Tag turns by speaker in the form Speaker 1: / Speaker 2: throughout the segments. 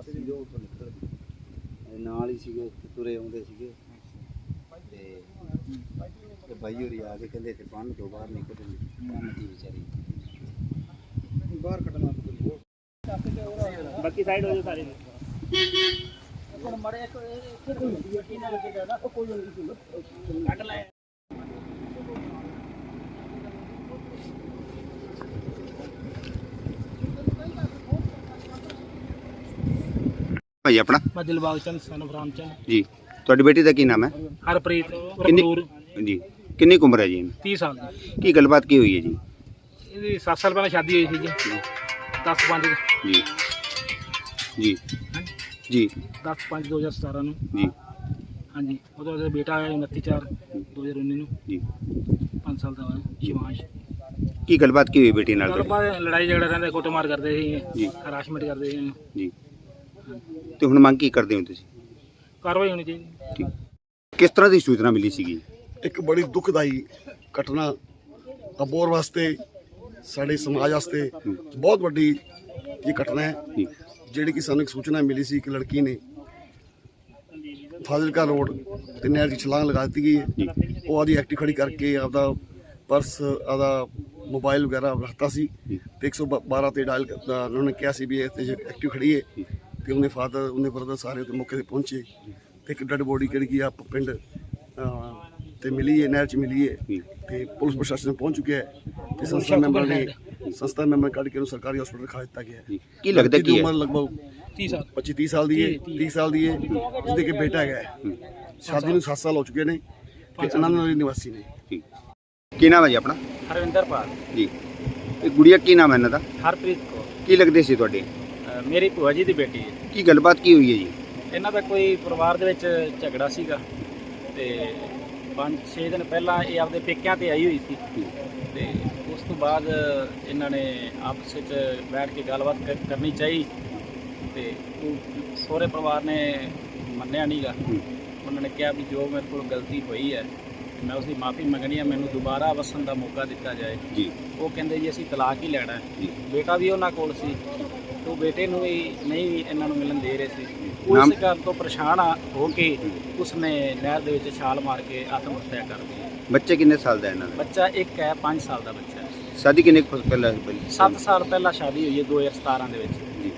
Speaker 1: ਸੀਗੇ ਉੱਥੋਂ ਨਿਕਲ ਨਾਲ ਹੀ ਸੀਗੇ, ਤੁਰੇ ਆਉਂਦੇ ਸੀਗੇ ਤੇ ਬਾਈ ਹੋਰੀ ਆ ਕੇ ਕਹਿੰਦੇ ਤੇ ਬੰਨ ਤੋਂ ਬਾਹਰ ਨਿਕਲ ਬੰਨ ਦੀ ਵਿਚਾਰੀ ਬਾਹਰ ਕੱਢਣਾ
Speaker 2: ਬਾਕੀ ਸਾਈਡ ਹੋ ਜਾਓ ਸਾਰੇ
Speaker 1: ਮੜੇ ਇੱਥੇ ਨਾ ਲੱਗੇਗਾ ਨਾ ਕੋਈ ਨਹੀਂ ਕੱਢ ਲੈ
Speaker 3: ਭਾਈ ਆਪਣਾ
Speaker 2: ਮੈਂ ਦਿਲਬਾਗ ਚੰਦ ਸਨ ਆਫ ਰਾਮ ਚੰਦ
Speaker 3: ਜੀ। ਤੁਹਾਡੀ ਬੇਟੀ ਦਾ ਕੀ ਨਾਮ ਹੈ?
Speaker 2: ਹਰਪ੍ਰੀਤ
Speaker 3: ਕਿੰਨੀ
Speaker 2: ਰਪੂਰ
Speaker 3: ਜੀ ਕਿੰਨੀ ਕੁ ਉਮਰ ਹੈ ਜੀ?
Speaker 2: 30 ਸਾਲ ਦੀ।
Speaker 3: ਕੀ ਗੱਲਬਾਤ ਕੀ ਹੋਈ ਹੈ ਜੀ?
Speaker 2: ਇਹਦੀ 7 ਸਾਲ ਪਹਿਲਾਂ ਸ਼ਾਦੀ ਹੋਈ ਸੀ ਜੀ 10/5
Speaker 3: ਜੀ ਜੀ ਜੀ
Speaker 2: 10/5/2017 ਨੂੰ
Speaker 3: ਜੀ
Speaker 2: ਹਾਂਜੀ। ਉਹਦਾ ਬੇਟਾ ਆਇਆ 29/4/2019 ਨੂੰ
Speaker 3: ਜੀ
Speaker 2: 5 ਸਾਲ ਦਾ ਹੋਇਆ ਸ਼ਿਵਾਂਸ਼।
Speaker 3: ਕੀ ਗੱਲਬਾਤ ਕੀ ਹੋਈ ਬੇਟੀ ਨਾਲ ਤੁਹਾਡੀ?
Speaker 2: ਗੱਲਬਾਤ ਲੜਾਈ ਝਗੜਾ ਰਹਿੰਦਾ, ਕੁੱਟਮਾਰ ਕਰਦੇ ਸੀ
Speaker 3: ਜੀ
Speaker 2: ਹਰਾਸ਼ਮੈਂਟ ਕਰਦੇ ਸੀ
Speaker 3: ਜੀ। ਤੇ ਹੁਣ ਮੰਗ ਕੀ ਕਰਦੇ ਹੋ ਤੁਸੀਂ?
Speaker 2: ਕਾਰਵਾਈ ਹੋਣੀ ਚਾਹੀਦੀ।
Speaker 3: ਠੀਕ। ਕਿਸ ਤਰ੍ਹਾਂ ਦੀ ਸੂਚਨਾ ਮਿਲੀ ਸੀਗੀ?
Speaker 4: ਇੱਕ ਬੜੀ ਦੁਖਦਾਈ ਘਟਨਾ ਅਬੋਹਰ ਵਾਸਤੇ ਸਾਡੇ ਸਮਾਜ ਵਾਸਤੇ ਬਹੁਤ ਵੱਡੀ ਇਹ ਘਟਨਾ ਹੈ
Speaker 3: ਜੀ
Speaker 4: ਜਿਹੜੀ ਕਿ ਸਾਨੂੰ ਇੱਕ ਸੂਚਨਾ ਮਿਲੀ ਸੀ ਕਿ ਲੜਕੀ ਨੇ ਫਾਜ਼ਿਲਕਾ ਰੋਡ ਤੇ ਨਹਿਰ ਦੀ ਛਲਾਂਗ ਲਗਾ ਦਿੱਤੀ ਗਈ ਹੈ।
Speaker 3: ਜੀ
Speaker 4: ਉਹ ਆਦੀ ਐਕਟਿਵ ਖੜੀ ਕਰਕੇ ਆਪਦਾ ਪਰਸ ਆਪਦਾ ਮੋਬਾਈਲ ਵਗੈਰਾ ਰੱਖਤਾ ਸੀ
Speaker 3: ਜੀ
Speaker 4: ਤੇ 112 ਤੇ ਡਾਇਲ ਉਹਨਾਂ ਨੇ ਕਿਹਾ ਸੀ ਵੀ ਇਹ ਐਕਟਿਵ ਖੜੀ ਹੈ ਤੇ ਉਹਨੇ ਫਾਦਰ ਉਹਨੇ ਬਰਦਰ ਸਾਰੇ ਉੱਤੇ ਮੌਕੇ ਤੇ ਪਹੁੰਚੇ ਤੇ ਇੱਕ ਡੈਡ ਬੋਡੀ ਜਿਹੜੀ ਕਿ ਆਪ ਪਿੰਡ ਤੇ ਮਿਲੀ ਹੈ, ਨਹਿਰ 'ਚ ਮਿਲੀ ਹੈ
Speaker 3: ਜੀ
Speaker 4: ਤੇ ਪੁਲਿਸ ਪ੍ਰਸ਼ਾਸਨ ਪਹੁੰਚ ਚੁੱਕਿਆ ਹੈ ਤੇ ਸੰਸਥਾ ਮੈਂਬਰ ਕੱਢ ਕੇ ਉਹਨੂੰ ਸਰਕਾਰੀ ਹਸਪਤਾਲ ਰਖਾ ਦਿੱਤਾ ਗਿਆ ਹੈ।
Speaker 3: ਜੀ। ਕੀ ਲੱਗਦਾ ਕੀ ਹੈ?
Speaker 4: ਉਮਰ ਲਗਭਗ
Speaker 2: 30 ਸਾਲ
Speaker 4: 25-30 ਸਾਲ ਦੀ ਹੈ, 30 ਸਾਲ ਦੀ ਹੈ। ਉਸਦੇ ਕੇ ਬੇਟਾ ਹੈਗਾ, ਸ਼ਾਦੀ ਨੂੰ 7 ਸਾਲ ਹੋ ਚੁੱਕੇ ਨੇ ਤੇ ਆਨੰਦ ਨਗਰ ਨਿਵਾਸੀ ਨੇ।
Speaker 3: ਠੀਕ। ਕੀ ਨਾਮ ਹੈ ਜੀ ਆਪਣਾ?
Speaker 2: ਹਰਵਿੰਦਰ ਪਾਲ।
Speaker 3: ਜੀ। ਇਹ ਗੁੜੀਆ ਕੀ ਨਾਮ ਹੈ ਇਹਨਾਂ ਦਾ?
Speaker 2: ਹਰਪ੍ਰੀਤ ਕੌਰ
Speaker 3: ਕੀ ਲੱਗਦੇ ਸੀ ਤੁਹਾਡੇ?
Speaker 2: ਮੇਰੀ ਭੂਆ ਜੀ ਦੀ ਬੇਟੀ ਹੈ।
Speaker 3: ਕੀ ਗੱਲਬਾਤ ਕੀ ਹੋਈ ਹੈ ਜੀ?
Speaker 2: ਇਹਨਾਂ ਦਾ ਕੋਈ ਪਰਿਵਾਰ ਦੇ ਵਿੱਚ ਝਗੜਾ ਸੀਗਾ ਤੇ 5-6 ਦਿਨ ਪਹਿਲਾਂ ਇਹ ਆਪਦੇ ਪੇਕਿਆਂ ਤੇ ਆਈ ਹੋਈ ਸੀ ਤੇ ਉਸ ਤੋਂ ਬਾਅਦ ਇਹਨਾਂ ਨੇ ਆਪਸ ਵਿੱਚ ਬੈਠ ਕੇ ਗੱਲਬਾਤ ਕਰਨੀ ਚਾਹੀ ਤੇ ਸਹੁਰੇ ਪਰਿਵਾਰ ਨੇ ਮੰਨਿਆ ਨਹੀਂਗਾ। ਉਹਨਾਂ ਨੇ ਕਿਹਾ ਵੀ ਜੋ ਮੇਰੇ ਕੋਲ ਗਲਤੀ ਹੋਈ ਹੈ ਮੈਂ ਉਸਦੀ ਮਾਫੀ ਮੰਗਣੀ ਹੈ, ਮੈਨੂੰ ਦੁਬਾਰਾ ਵਸਣ ਦਾ ਮੌਕਾ ਦਿੱਤਾ ਜਾਏ
Speaker 3: ਜੀ।
Speaker 2: ਉਹ ਕਹਿੰਦੇ ਜੀ ਅਸੀਂ ਤਲਾਕ ਹੀ ਲੈਣਾ ਹੈ।
Speaker 3: ਜੀ।
Speaker 2: ਬੇਟਾ ਵੀ ਉਹਨਾਂ ਕੋਲ ਸੀ ਤੇ ਉਹ ਬੇਟੇ ਨੂੰ ਵੀ ਨਹੀਂ ਇਹਨਾਂ ਨੂੰ ਮਿਲਣ ਦੇ ਰਹੇ ਸੀ।
Speaker 3: ਨਾਮ-
Speaker 2: ਉਸ ਗੱਲ ਤੋਂ ਪਰੇਸ਼ਾਨ ਹੋ ਕੇ ਉਸਨੇ ਨਹਿਰ ਦੇ ਵਿੱਚ ਛਾਲ ਮਾਰ ਕੇ ਆਤਮ ਹੱਤਿਆ ਕਰ ਲਈ।
Speaker 3: ਬੱਚੇ ਕਿੰਨੇ ਸਾਲ ਦਾ ਇਹਨਾਂ ਦਾ?
Speaker 2: ਬੱਚਾ ਇੱਕ ਹੈ, 5 ਸਾਲ ਦਾ ਬੱਚਾ ਹੈ।
Speaker 3: ਸ਼ਾਦੀ ਕਿੰਨੇ ਕੁ ਪਹਿਲਾਂ ਹੋਈ?
Speaker 2: 7 ਸਾਲ ਪਹਿਲਾਂ ਸ਼ਾਦੀ ਹੋਈ ਹੈ 2017 ਦੇ ਵਿੱਚ।
Speaker 3: ਜੀ।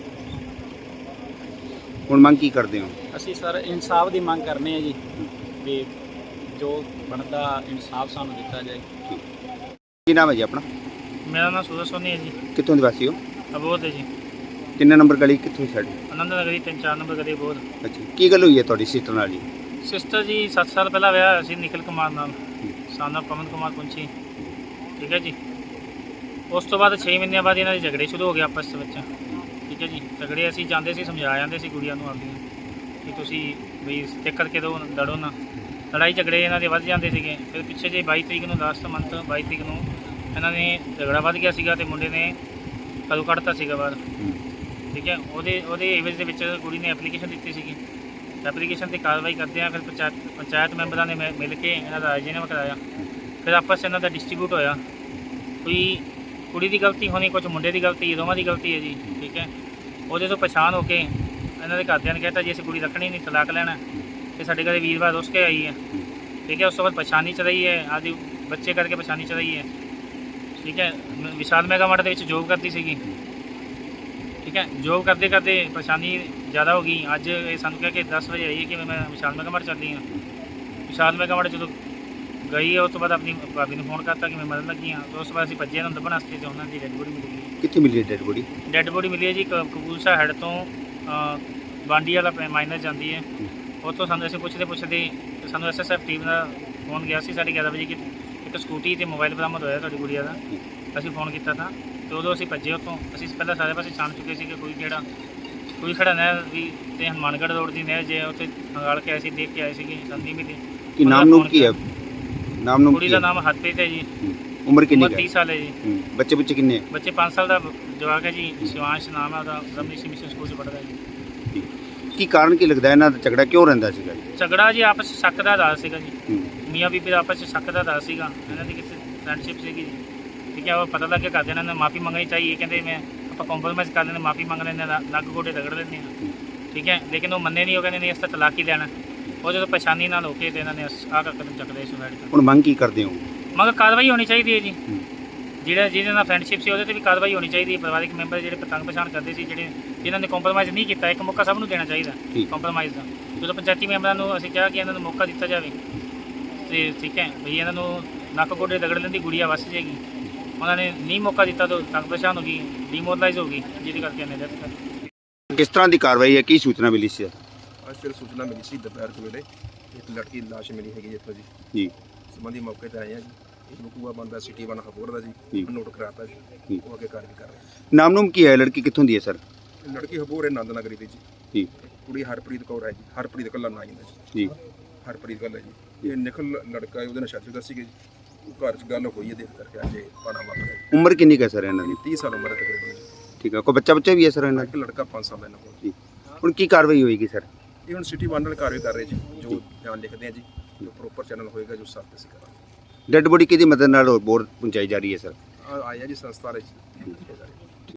Speaker 3: ਹੁਣ ਮੰਗ ਕੀ ਕਰਦੇ ਹੋ?
Speaker 2: ਅਸੀਂ ਸਰ ਇਨਸਾਫ ਦੀ ਮੰਗ ਕਰਨੇ ਆ ਜੀ ਵੀ ਜੋ ਬਣਦਾ ਇਨਸਾਫ ਸਾਨੂੰ ਦਿੱਤਾ ਜਾਏ।
Speaker 3: ਕੀ ਨਾਮ ਹੈ ਜੀ ਆਪਣਾ?
Speaker 2: ਮੇਰਾ ਨਾਮ ਸੂਰਜ ਸੋਨੀ ਹੈ ਜੀ,
Speaker 3: ਕਿੱਥੋਂ ਦੇ ਵਾਸੀ ਹੋ?
Speaker 2: ਅਬੋਧ ਹੈ ਜੀ,
Speaker 3: ਕਿੰਨਾ ਨੰਬਰ ਗਲੀ ਕਿੱਥੋਂ ਸਾਡੀ?
Speaker 2: ਆਨੰਦ ਨਗਰੀ 3-4 ਨੰਬਰ ਗਲੀ ਅਬੋਧ।
Speaker 3: ਅੱਛਾ। ਕੀ ਗੱਲ ਹੋਈ ਹੈ ਤੁਹਾਡੀ ਸਿਸਟਰ ਨਾਲ ਜੀ?
Speaker 2: ਸਿਸਟਰ ਜੀ 7 ਸਾਲ ਪਹਿਲਾਂ ਵਿਆਹ ਹੋਇਆ ਸੀ ਨਿਖਿਲ ਕੁਮਾਰ ਨਾਲ, ਸਾਨਾ ਪਵਨ ਕੁਮਾਰ ਪੁੰਛੀ, ਠੀਕ ਹੈ ਜੀ। ਉਸ ਤੋਂ ਬਾਅਦ 6 ਮਹੀਨਿਆਂ ਬਾਅਦ ਇਹਨਾਂ ਦੇ ਝਗੜੇ ਸ਼ੁਰੂ ਹੋ ਗਏ ਆਪਸ ਵਿੱਚ, ਠੀਕ ਹੈ ਜੀ। ਝਗੜੇ ਅਸੀਂ ਜਾਂਦੇ ਸੀ, ਸਮਝਾ ਜਾਂਦੇ ਸੀ ਕੁੜੀਆਂ ਨੂੰ ਆਪਦੀ ਕਿ ਤੁਸੀਂ ਵੀ ਸਟਿਕ ਕਰਕੇ ਦਿਓ, ਲੜੋ ਨਾ। ਲੜਾਈ ਝਗੜੇ ਇਹਨਾਂ ਦੇ ਵੱਧ ਜਾਂਦੇ ਸੀਗੇ। ਫਿਰ ਪਿੱਛੇ ਜੇ 22 ਤਰੀਕ ਨੂੰ ਲਾਸਟ ਮੰਥ 22 ਤਰੀਕ ਨੂੰ ਇਹਨਾਂ ਨੇ ਝਗੜਾ ਵੱਧ ਗਿਆ ਸੀਗਾ ਤੇ ਮੁੰਡੇ ਨੇ ਕਦੋਂ ਕੱਢਤਾ ਸੀਗਾ ਬਾਹਰ, ਠੀਕ ਹੈ। ਉਹਦੇ ਏਵਜ ਦੇ ਵਿੱਚ ਕੁੜੀ ਨੇ ਐਪਲੀਕੇਸ਼ਨ ਦਿੱਤੀ ਸੀਗੀ। ਐਪਲੀਕੇਸ਼ਨ 'ਤੇ ਕਾਰਵਾਈ ਕਰਦੇ ਆ। ਫਿਰ ਪੰਚਾਇਤ ਮੈਂਬਰਾਂ ਨੇ ਮਿਲ ਕੇ ਇਹਨਾਂ ਦਾ ਰਾਜੀਨਾਮਾ ਕਰਾਇਆ। ਫਿਰ ਆਪਸ 'ਚ ਇਹਨਾਂ ਦਾ ਡਿਸਟ੍ਰੀਬਿਊਟ ਹੋਇਆ। ਕੋਈ ਕੁੜੀ ਦੀ ਗਲਤੀ ਹੋਣੀ, ਕੁਝ ਮੁੰਡੇ ਦੀ ਗਲਤੀ, ਦੋਵਾਂ ਦੀ ਗਲਤੀ ਹੈ ਜੀ, ਠੀਕ ਹੈ। ਉਹਦੇ ਤੋਂ ਪਛਾਣ ਹੋ ਕੇ ਇਹਨਾਂ ਦੇ ਘਰਦਿਆਂ ਨੇ ਕਹਿਤਾ ਜੀ ਅਸੀਂ ਕੁੜੀ ਰੱਖਣੀ ਨਹੀਂ, ਤਲਾਕ ਲੈਣਾ। ਤੇ ਸਾਡੇ ਘਰੇ ਵੀਰਵਾਰ ਰੁੱਸ ਕੇ ਆਈ ਹੈ, ਠੀਕ ਹੈ। ਉਸ ਤੋਂ ਬਾਅਦ ਪਛਾਣੀ ਚ ਰਹੀ ਹੈ, ਆਦਿ ਬੱਚੇ ਕਰਕੇ ਪਛਾਣੀ ਚ ਰਹੀ ਹੈ, ਠੀਕ ਹੈ। ਵਿਸ਼ਾਲ ਮੈਗਾ ਮਾਰਟ ਦੇ ਵਿੱਚ ਜੋਬ ਕਰਦੀ ਸੀਗੀ, ਠੀਕ ਹੈ। ਜੋਬ ਕਰਦੇ ਕਰਦੇ ਪਰੇਸ਼ਾਨੀ ਜ਼ਿਆਦਾ ਹੋ ਗਈ। ਅੱਜ ਇਹ ਸਾਨੂੰ ਕਹਿ ਕੇ 10 ਵਜੇ ਆਈ ਹੈ ਕਿ ਮੈਂ ਵਿਸ਼ਾਲ ਮੈਗਾ ਮਾਰਟ ਚੱਲੀ ਹਾਂ। ਵਿਸ਼ਾਲ ਮੈਗਾ ਮਾਰਟ ਜਦੋਂ ਗਈ ਹੈ ਉਸ ਤੋਂ ਬਾਅਦ ਆਪਣੀ ਭਾਬੀ ਨੂੰ ਫੋਨ ਕਰਤਾ ਕਿ ਮੈਂ ਮਰਨ ਲੱਗੀ ਹਾਂ। ਉਸ ਤੋਂ ਬਾਅਦ ਅਸੀਂ ਭੱਜੇ ਨੂੰ ਲੱਭਣ ਵਾਸਤੇ ਤੇ ਉਹਨਾਂ ਦੀ ਡੈਡ ਬੋਡੀ ਮਿਲੀ ਹੈ।
Speaker 3: ਕਿੱਥੇ ਮਿਲੀ ਡੈਡ ਬੋਡੀ?
Speaker 2: ਡੈਡ ਬੋਡੀ ਮਿਲੀ ਹੈ ਜੀ ਕਪੂਰਥਲਾ ਹੈਡ ਤੋਂ ਬਾਂਡੀ ਵਾਲਾ ਮਾਈਨਰ ਜਾਂਦੀ ਹੈ। ਉੱਥੋਂ ਸਾਨੂੰ ਅਸੀਂ ਪੁੱਛਦੇ ਸਾਨੂੰ SSF ਟੀਮ ਦਾ ਫੋਨ ਗਿਆ ਸੀ 11:30 ਵਜੇ ਕਿ ਇੱਕ ਸਕੂਟੀ ਤੇ ਮੋਬਾਈਲ ਬਰਾਮਦ ਹੋਇਆ ਤੁਹਾਡੀ ਗੁੜੀਆ ਦਾ। ਅਸੀਂ ਫੋਨ ਕੀਤਾ ਤਾਂ ਤੇ ਉਦੋਂ ਅਸੀਂ ਭੱਜੇ ਉੱਥੋਂ। ਅਸੀਂ ਪਹਿਲਾਂ ਸਾਰੇ ਪਾਸੇ ਛਾਣ ਚੁੱਕੇ ਸੀ ਕਿ ਕੋਈ ਖੜਾ ਨਹਿਰ ਦੀ ਤੇ ਹਨੂੰਮਾਨਗੜ੍ਹ ਰੋਡ ਦੀ ਨਹਿਰ ਜੇ ਉੱਥੇ ਹੰਗਾਲ ਕੇ ਆਏ ਸੀ, ਦੇਖ ਕੇ ਆਏ ਸੀਗੇ, ਸਾਨੂੰ ਨਹੀਂ ਮਿਲੀ।
Speaker 3: ਕੀ ਨਾਮ ਨੂੰ ਕੀ ਹੈ? ਨਾਮ ਨੂੰ
Speaker 2: ਕੁੜੀ ਦਾ ਨਾਮ ਹਰਪ੍ਰੀਤ ਹੈ ਜੀ,
Speaker 3: ਉਮਰ ਕਿੰਨੀ ਹੈ?
Speaker 2: 30 ਸਾਲ ਹੈ ਜੀ।
Speaker 3: ਬੱਚੇ ਕਿੰਨੇ?
Speaker 2: ਬੱਚੇ 5 ਸਾਲ ਦਾ ਜਵਾਕ ਹੈ ਜੀ, ਸ਼ਿਵਾਂਸ਼ ਨਾਮ ਹੈ ਉਹਦਾ, ਰਮਨੀਸ਼ ਮਿਸ਼ਨ ਸਕੂਲ 'ਚ ਪੜ੍ਹਦਾ ਹੈ ਜੀ।
Speaker 3: ਕੀ ਕਾਰਨ ਕੀ ਲੱਗਦਾ ਇਹਨਾਂ ਦਾ ਝਗੜਾ ਕਿਉਂ ਰਹਿੰਦਾ ਸੀਗਾ ਜੀ?
Speaker 2: ਝਗੜਾ ਜੀ ਆਪਸ 'ਚ ਸ਼ੱਕ ਦਾ ਆਧਾਰ ਸੀਗਾ ਜੀ, ਮੀਆਂ ਬੀਬੀ ਦਾ ਆਪਸ 'ਚ ਸ਼ੱਕ ਦਾ ਆਧਾਰ ਸੀਗਾ। ਇਹਨਾਂ ਦੀ ਕਿਸੇ ਫਰੈਂਡਸ਼ਿਪ ਸੀਗੀ ਜੀ, ਠੀਕ ਹੈ। ਉਹ ਪਤਾ ਲੱਗ ਕੇ ਘਰਦਿਆਂ ਨੇ ਮਾਫੀ ਮੰਗਣੀ ਚਾਹੀਏ, ਕਹਿੰਦੇ ਆਪਾਂ ਕੰਪਰੋਮਾਈਜ਼ ਕਰ ਲੈਂਦੇ, ਮਾਫੀ ਮੰਗ ਲੈਂਦੇ, ਨੱਕ ਗੋਡੇ ਰਗੜ ਲੈਂਦੇ ਹਾਂ, ਠੀਕ ਹੈ, ਲੇਕਿਨ ਉਹ ਮੰਨੇ ਨਹੀਂ, ਉਹ ਕਹਿੰਦੇ ਨਹੀਂ ਇਸ ਤਾਂ ਤਲਾਕ ਹੀ ਲੈਣਾ। ਉਹ ਜਦੋਂ ਪਰੇਸ਼ਾਨੀ ਨਾਲ ਹੋ ਕੇ ਤੇ ਇਹਨਾਂ ਨੇ ਆਹ ਕਦਮ ਚੱਕਦੇ ਸੁਸਾਈਡ ਕਰਨ।
Speaker 3: ਹੁਣ ਮੰਗ ਕੀ ਕਰਦੇ ਹੋ?
Speaker 2: ਮਗਰ ਕਾਰਵਾਈ ਹੋਣੀ ਚਾਹੀਦੀ ਹੈ ਜੀ। ਜਿਹਦੇ ਨਾਲ ਫਰੈਂਡਸ਼ਿਪ ਸੀ ਉਹਦੇ ਤੇ ਵੀ ਕਾਰਵਾਈ ਹੋਣੀ ਚਾਹੀਦੀ ਹੈ। ਪਰਿਵਾਰਿਕ ਮੈਂਬਰ ਜਿਹੜੇ ਪਤੰਗ ਪਛਾਣ ਕਰਦੇ ਸੀ, ਜਿਨ੍ਹਾਂ ਨੇ ਕੰਪਰੋਮਾਈਜ਼ ਨਹੀਂ ਕੀਤਾ, ਇੱਕ ਮੌਕਾ ਸਭ ਨੂੰ ਦੇਣਾ ਚਾਹੀਦਾ ਕੰਪਰੋਮਾਈਜ਼ ਦਾ। ਜਦੋਂ ਪੰਚਾਇਤੀ ਮੈਂਬਰਾਂ ਨੂੰ ਅਸੀਂ ਕਿਹਾ ਕਿ ਇਹਨਾਂ ਨੂੰ ਮੌਕਾ ਦਿੱਤਾ ਜਾਵੇ ਤੇ ਠੀਕ ਹੈ ਵੀ ਇਹਨਾਂ ਨੂੰ ਨੱਕ ਗੋਡੇ ਰਗੜ ਲੈਣ ਦੀ ਗੁੜੀਆ ਵਸ ਜਾਏਗੀ। ਉਹਨਾਂ ਨੇ ਨਹੀਂ ਮੌਕਾ ਦਿੱਤਾ ਤਾਂ ਪਤੰਗ ਪਛਾਣ ਹੋ ਗਈ, ਡੀਮੋਰਲਾਈਜ਼ ਹੋ ਗਈ, ਜਿਹਦੇ ਕਰਕੇ ਇਹਨੇ ਡੈਥ ਕਰ।
Speaker 3: ਕਿਸ ਤਰ੍ਹਾਂ ਦੀ ਕਾਰਵਾਈ ਹੈ, ਕੀ ਸੂਚਨਾ ਮਿਲੀ ਸੀ?
Speaker 5: ਅੱਜ ਫਿਰ ਸੂਚਨਾ ਮਿਲੀ ਸੀ ਦੁਪਹਿਰ ਦੇ ਵੇਲੇ ਇੱਕ ਲੜਕੀ ਦੀ ਲਾਸ਼ ਮਿਲੀ ਹੈਗੀ ਇੱਥੋਂ ਜੀ।
Speaker 3: ਜੀ
Speaker 5: ਸੰਬੰਧੀ ਮੌਕੇ ਤੇ ਆਏ ਆ ਜੀ। ਇੱਕ ਬਕੂਆ ਬੰਦਾ ਸਿਟੀ 1 ਹਬੋਰ ਦਾ
Speaker 3: ਜੀ।
Speaker 5: ਜੀ, ਨੋਟ ਕਰਾਤਾ ਜੀ, ਉਹ ਅੱਗੇ ਕਾਰਵਾਈ ਕਰ ਰਹੇ।
Speaker 3: ਨਾਮ ਨੂਮ ਕੀ ਹੈ? ਲੜਕੀ ਕਿੱਥੋਂ ਦੀ ਹੈ ਸਰ?
Speaker 5: ਲੜਕੀ ਹਬੋਰ ਹੈ, ਨੰਦ ਨਗਰੀ ਦੀ ਜੀ।
Speaker 3: ਜੀ
Speaker 5: ਕੁੜੀ ਹਰਪ੍ਰੀਤ ਕੌਰ ਹੈ ਜੀ, ਹਰਪ੍ਰੀਤ ਕੱਲਾ ਨਾਂ ਜਾਂਦਾ
Speaker 3: ਜੀ।
Speaker 5: ਹਰਪ੍ਰੀਤ ਕੱਲਾ ਜੀ। ਇਹ ਨਿਖਲ ਲੜਕਾ ਹੈ, ਉਹਦੇ ਨਾਲ ਸ਼ਾਦੀ ਦੱਸੀ ਗਈ ਜੀ। ਉਹ ਘਰ 'ਚ ਗੱਲ ਹੋਈ ਹੈ, ਦੇਖ ਕਰਕੇ ਅੱਜ ਇਹ ਪਾਣਾ ਵਾਪਰਿਆ ਜੀ।
Speaker 3: ਉਮਰ ਕਿੰਨੀ ਕੁ ਹੈ ਸਰ ਇਹਨਾਂ ਦੀ?
Speaker 5: 30 ਸਾਲ ਉਮਰ ਹੈ ਤਕਰੀਬਨ ਜੀ।
Speaker 3: ਠੀਕ ਹੈ, ਕੋਈ ਬੱਚਾ ਵੀ ਹੈ ਸਰ ਇਹਨਾਂ
Speaker 5: ਇੱਕ ਲੜਕਾ 5 ਸਾਲ ਦਾ ਇਹਨਾਂ ਕੋਲ।
Speaker 3: ਜੀ। ਹੁਣ ਕੀ ਕਾਰਵਾਈ ਹੋਏਗੀ ਸਰ?
Speaker 5: ਇਹ ਹੁਣ ਸਿਟੀ 1 ਨਾਲ ਕਾਰਵਾਈ ਕਰ ਰਹੇ ਜੀ, ਜੋ ਬਿਆਨ ਲਿਖਦੇ ਆ ਜੀ, ਜੋ ਪ੍ਰੋਪਰ ਚੈਨਲ ਹੋਏਗਾ ਜੋ ਸਾਥ ਅਸੀਂ ਕਰਾਂਗੇ।
Speaker 3: ਡੈੱਡ ਬੋਡੀ ਕਿਹਦੀ ਮਦਦ ਨਾਲ ਬੋਰ ਪਹੁੰਚਾਈ ਜਾ ਰਹੀ ਹੈ ਸਰ?
Speaker 5: ਆਇਆ ਜੀ ਸੰਸਥਾ ਵਾਲੇ ਜੀ।